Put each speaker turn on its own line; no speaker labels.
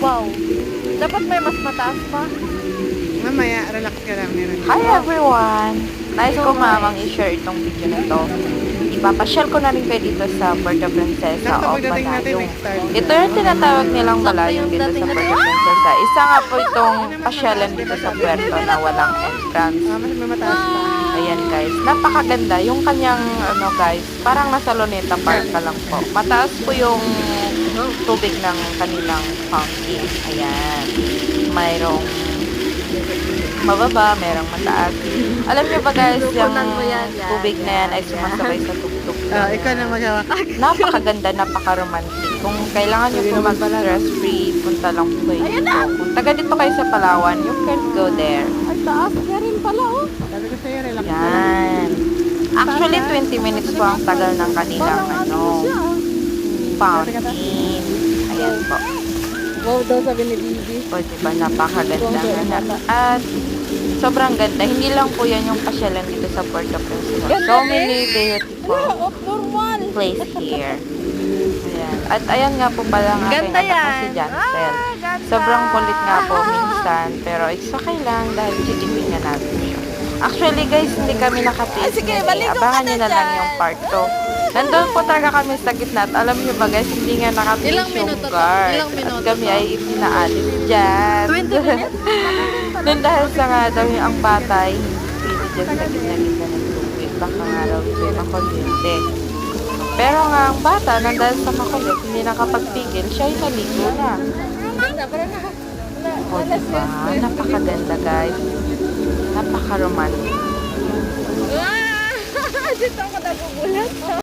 Wow. Dapat may mas mataas pa.
Mamaya, relax ka lang. Meron.
Hi everyone! Nice ko mamang i-share itong video na to. Ipapasyal ko na rin kayo dito sa Puerto Princesa o
Pagdating natin,
Banayong.
next start.
Ito yung tinatawag nilang balayong dito sa Puerto Princesa. Isa nga po itong pasyalan dito sa Puerto na walang entrance.
Mas may mataas pa.
Ayan guys, napakaganda. Yung kanyang guys, parang nasa Luneta Park ka lang po. Mataas po yung tubig ng kanilang fountain. Ayan. Mayroong mababa, merong mataas. Alam niyo ba guys, yung tubig na yan ay sumasabay sa tugtog.
Ikaw na magawa.
Napakaganda, napaka-romantic. Kung kailangan niyo po mag-stress free, punta lang po kayo dito. Kung taga dito kayo sa Palawan, you can go there.
Ay, taas ka rin pala, oh.
Sabi ko sa'yo, relax.
Yan. Actually, 20 minutes po ang tagal ng kanilang fountain. Ayan po.
Wow daw sabi ni Bibi.
O, diba, napakaganda na. At sobrang ganda. Hindi lang po yan yung pasyalan dito sa Puerto Princesa. So many beautiful
Normal.
place here. Ayan. At ayan nga po pala ang aking
Ganda
anak na si
yan.
Jancel. Sobrang kulit nga po minsan. Pero it's okay lang dahil chitipin nga natin siya. Actually guys, hindi kami nakatiis. Abangan nyo na lang yung part 2. Nandun po talaga kami sa gitna at alam niyo ba guys, hindi nga nakatiis
Ilang
yung
minuto to?
guard.
Ilang minuto
At kami
to?
ay itinaalis dyan.
20 minutes?
Nung dahil sa nga daw yung ang bata ay hindi dyan sa gitna-gitna ng tubig. Baka nga raw ito yung makuryente. Pero nga ang bata, nang dahil sa makulit, hindi nakapagpigil, siya ay naligo na. O diba? Napakaganda guys. Napaka-romantic.
Dito ako nagugulat.